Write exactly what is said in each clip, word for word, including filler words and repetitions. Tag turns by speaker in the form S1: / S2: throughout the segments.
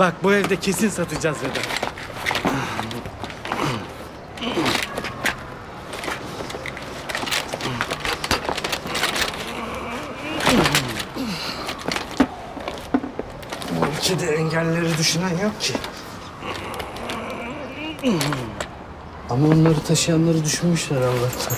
S1: Bak bu evde kesin satacağız Vedat.
S2: Bu ülkede engelleri düşünen yok ki. Ama onları taşıyanları düşünmüşler Allah'tan.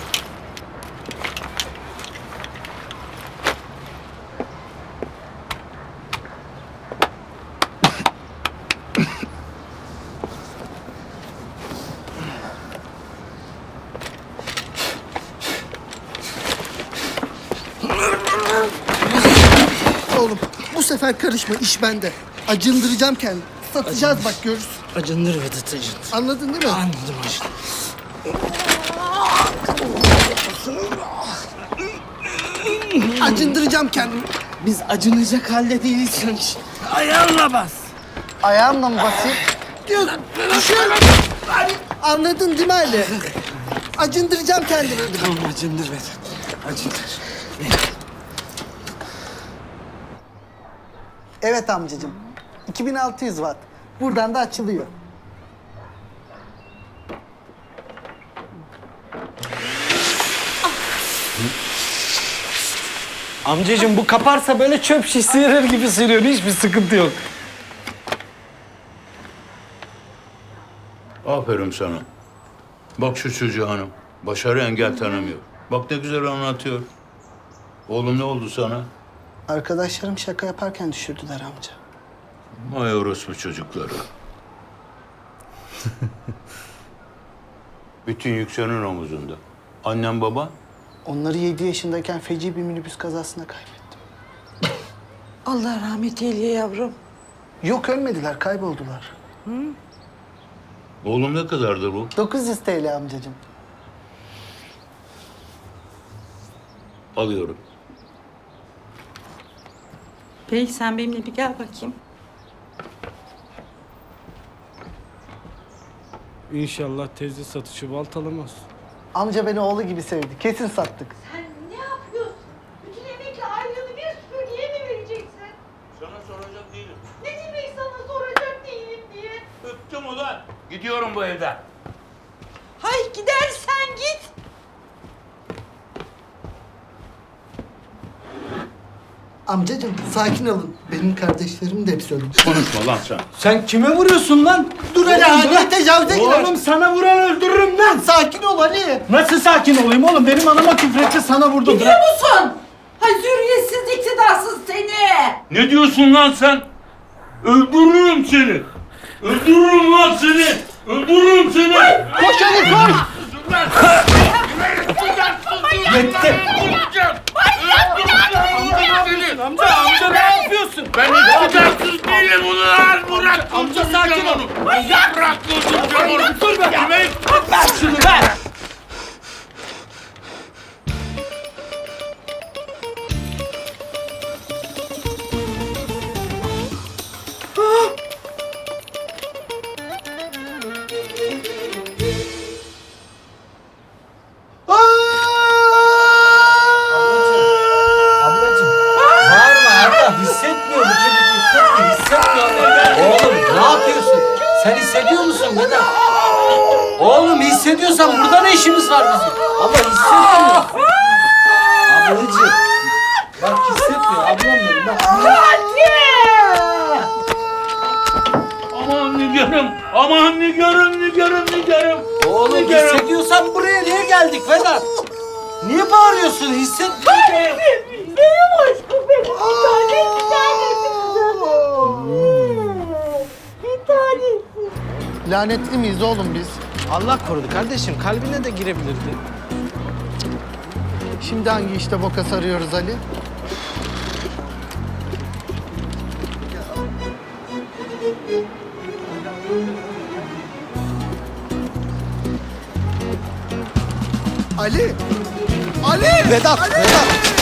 S3: Oğlum bu sefer karışma, iş bende. Acındıracağım kendimi. Satacağız bak, görürsün.
S2: Acındır Vedat, acındır.
S3: Anladın değil mi?
S2: Anladım, acındır.
S3: Acındıracağım kendimi.
S2: Biz acınacak halde değiliz sanki. Ayağınla bas.
S3: Ayağımla mı basayım? Diyor, düşün. Anladın değil mi Ali? Acındıracağım kendimi.
S2: Tamam, acındır Vedat. Acındır.
S3: Evet amcacığım. iki bin altı yüz watt. Buradan da açılıyor.
S1: Amcacığım bu kaparsa böyle çöp şiş sıyırır gibi sıyırıyor. Hiçbir sıkıntı yok.
S4: Aferin sana. Bak şu çocuğa hanım. Başarı engel tanımıyor. Bak ne güzel anlatıyor. Oğlum ne oldu sana?
S3: Arkadaşlarım şaka yaparken düşürdüler amca.
S4: Vay orospu çocukları. Bütün yük senin omuzunda. Annem baba?
S3: Onları yedi yaşındayken feci bir minibüs kazasına kaybettim.
S5: Allah rahmet eyle yavrum.
S3: Yok, ölmediler, kayboldular.
S4: Oğlum ne kadardır bu?
S3: dokuz yüz T L amcacığım.
S4: Alıyorum.
S5: Bey sen benimle bir gel bakayım.
S1: İnşallah teyze satışı baltalamaz.
S3: Amca beni oğlu gibi sevdi. Kesin sattık.
S6: Sen ne yapıyorsun? Bütün emekli aylığını bir süpürgeye mi vereceksin?
S4: Sana soracak değilim.
S6: Ne demek sana soracak değilim diye?
S4: Öptüm ulan. Gidiyorum bu evden.
S6: Hay gidersen git.
S3: Amcacığım sakin olun. Benim kardeşlerim de hepsi öldü.
S4: Konuşma lan sen.
S1: Sen kime vuruyorsun lan?
S3: Dur Ali, Ali tecavüze girer.
S1: Oğlum sana vuran öldürürüm lan.
S3: Sakin ol Ali.
S1: Nasıl sakin olayım oğlum? Benim anama küfretti, sana vurdu.
S5: Biliyor musun? Hay zürriyetsiz, iktidarsız seni.
S4: Ne diyorsun lan sen? Öldürürüm seni. Öldürürüm lan seni. Öldürürüm seni.
S3: Koş Ali, koş.
S1: Yetti. Amca, amca ne yapıyorsun?
S4: Ben iktidarsız değilim ulan. Bırak.
S1: Amca sakin ol.
S4: Bırak öldüreceğim onu.
S1: Dur be.
S4: Kime?
S1: Ver şunu ver.
S2: Ablacığım, bağırma Arda. Hissetmiyor bu çocuk, hissetmiyor, hissetmiyor. Oğlum, ne yapıyorsun? Sen hissediyor musun Vedat? Oğlum hissediyorsan burada ne işimiz var bizim? Ama hissetmiyor. Ablacığım, bak hissetmiyor, ablam benim bak.
S4: Aman nigarım. Aman nigarım, nigarım, nigarım.
S2: Oğlum
S4: Nigarım.
S2: hissediyorsan buraya niye geldik Vedat? Niye bağırıyorsun? Hissetmiyor.
S6: Benim aşkım benim. Bir tane, bir tanesi. Bir tanesi.
S3: Lanetli miyiz oğlum biz?
S2: Allah korudu kardeşim, kalbine de girebilirdi.
S3: Şimdi hangi işte boka sarıyoruz Ali? Ali! Ali!
S2: Vedat, Vedat.